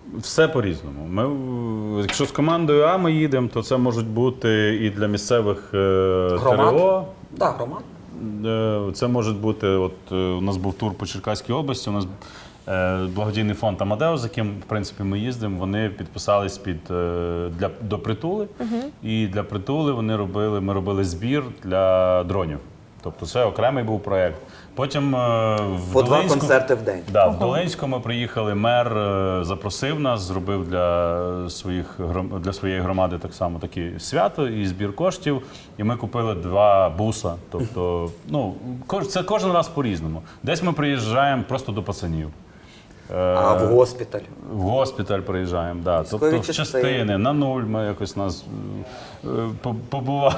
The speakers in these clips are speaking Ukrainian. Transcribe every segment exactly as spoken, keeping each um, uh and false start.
Все по-різному. Ми, в- якщо з командою А ми їдемо, то це можуть бути і для місцевих е, Громад? ТРО. Так, громад. Е, Це може бути, от е, у нас був тур по Черкаській області, у нас е, благодійний фонд Амадеус, з яким в принципі ми їздимо, вони підписались під е, для до притули. І для притули вони робили, ми робили збір для дронів. Тобто це окремий був проєкт. Потім е, в По два Долинську- концерти в день. Да, в Долинську ми приїхали, мер е, запросив нас, зробив для своїх гром- для своєї громади так само таке свято і збір коштів. І ми купили два буса. Тобто, ну кож- це кожен раз по-різному. Десь ми приїжджаємо просто до пацанів. Е, А в госпіталь. В госпіталь приїжджаємо, да. Військові Тобто в частини. частини, на нуль ми якось нас е, по- побували.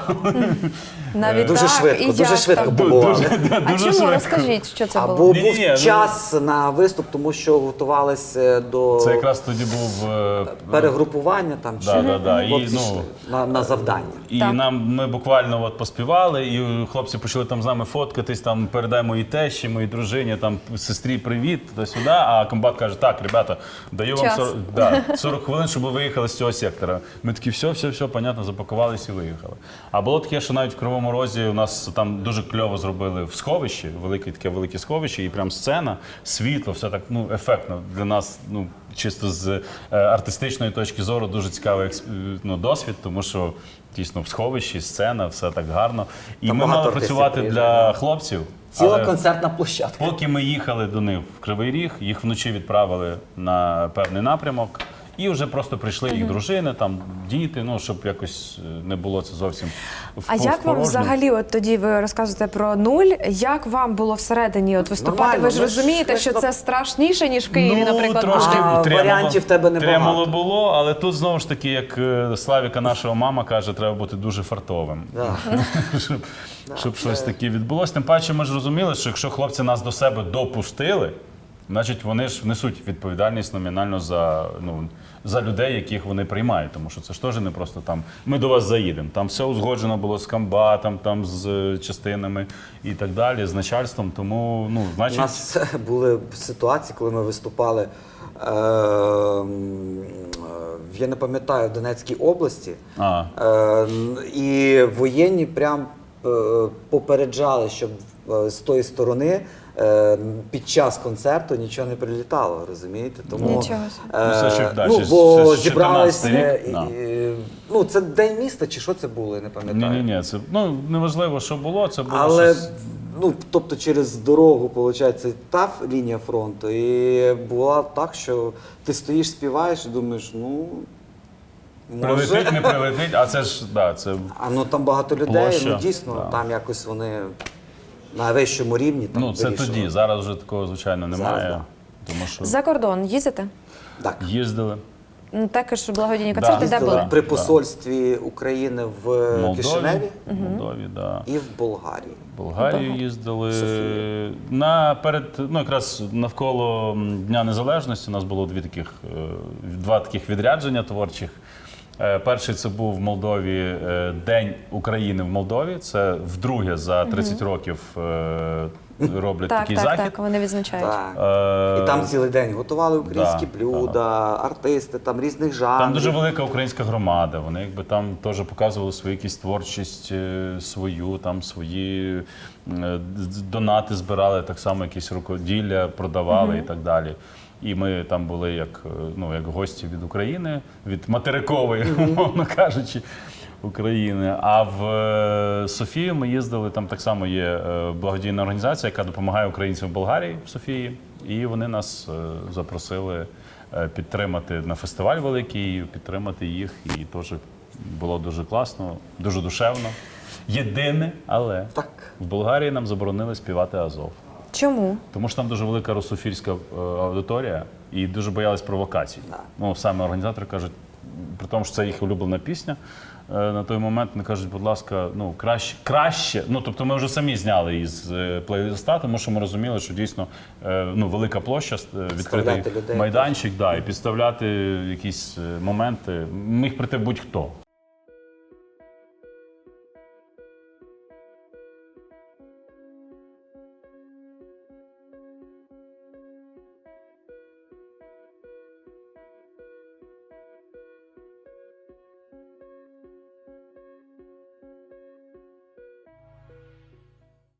Навіть Дуже так, швидко, і дуже як швидко там? побували. А Дуже чому? швидко. Розкажіть, що це Або було? Ні-ні-ні, був ну- час на виступ, тому що готувалися до Це якраз тоді був е, перегрупування там чи Да, да, да. І, хлопці ну, йшли на, на завдання. І Так. нам ми буквально от поспівали, і хлопці почали там з нами фоткатись, там передай моїй тещі, моїй дружині, там сестрі привіт, туди-сюди. А комбат каже: так, ребята, даю вам Час. сорок, да, сорок хвилин, щоб ви виїхали з цього сектора. Ми такі, все, все, все, понятно, запакувалися і виїхали. А було таке, що навіть в Кривому Розі у нас там дуже кльово зробили в сховищі, велике таке велике сховище, і прям сцена, світло, все так ну ефектно для нас. Ну чисто з е, артистичної точки зору дуже цікавий експ- е, ну, досвід, тому що дійсно в сховищі, сцена, все так гарно. І Там ми багато мали артистів працювати для приїжджає, да. хлопців. Ціла але концертна площадка. поки ми їхали до них в Кривий Ріг, їх вночі відправили на певний напрямок. І вже просто прийшли їх дружини, там діти, ну щоб якось е, не було це зовсім в А як вам впорожньо. взагалі, от тоді ви розказуєте про нуль, як вам було всередині от виступати? Нормально, Ви ж ми ж розумієте, що швидко- це страшніше, ніж в Києві, Ну, наприклад. трошки А, тремоло- варіантів в тебе небагато. Тремоло було, але тут знову ж таки, як е, Славіка, нашого мама каже, треба бути дуже фартовим. Да. щоб щоб щось таке відбулося. Тим паче ми ж розуміли, що якщо хлопці нас до себе допустили, значить вони ж несуть відповідальність номінально за, ну, за людей, яких вони приймають. Тому що це ж теж не просто там ми до вас заїдемо. Там все узгоджено було з комбатом, там з е, частинами і так далі, з начальством. Тому, ну, У значить. нас були ситуації, коли ми виступали, е, м, в- я не пам'ятаю, в Донецькій області, А. е, і воєнні прям е, попереджали, щоб е, з тої сторони е, під час концерту нічого не прилітало, розумієте? Тому, Нічого собі. е, Ну, це ще, да, ну, ще з- бо ще з зібралися, чотирнадцятий рік, і- да. і- ну, це День міста чи що це було, я не пам'ятаю. Ні, ні, ні, це ну неважливо, що було, це було Але щось. ну, тобто через дорогу, виходить, та лінія фронту. І було так, що ти стоїш, співаєш і думаєш, ну може. Прилетить, не прилетить, а це ж да, це А ну там багато людей, Площа, ну дійсно, да. там якось вони на вищому рівні. Там ну це вирішили. тоді. Зараз вже такого звичайно немає. Зараз, Тому що За кордон їздите? Так. їздили Ну, також благодійні концерти, де Їздили були? при посольстві України в в Молдові, Кишиневі в Молдові, да. і в Болгарії. В Болгарію Болгарії. їздили. Софія. На перед, ну якраз навколо м, Дня Незалежності у нас було дві таких, е, два таких відрядження творчих. Е, Перший це був в Молдові е, День України в Молдові. Це вдруге за тридцять років е, роблять Так, такий так, захід. так, вони відзначають. Так. Е, І там цілий день готували українські да, блюда, артисти, там різних жанрів. Там дуже велика українська громада. Вони якби там теж показували свою якусь творчість е, свою, там свої е, д- донати збирали, так само якісь рукоділля продавали і так далі. І ми там були як, е, ну, як гості від України, від материкової, умовно кажучи, України. А в е, Софію ми їздили, там так само є е, благодійна організація, яка допомагає українцям в Болгарії, в Софії. І вони нас е, запросили е, підтримати на фестиваль великий, підтримати їх. І теж було дуже класно, дуже душевно. Єдине, але Так. в Болгарії нам заборонили співати Азов. Чому? Тому що там дуже велика русофільська е, аудиторія і дуже боялись провокацій. Да. Ну, саме організатори кажуть, при тому, що це їх улюблена пісня, е, на той момент вони кажуть, будь ласка, ну краще, краще. Ну, тобто ми вже самі зняли із е, плейлиста, тому що ми розуміли, що дійсно е, ну, велика площа, е, відкритий Підставляти людей. майданчик, да, і підставляти якісь е, моменти. Міг прийти будь-хто.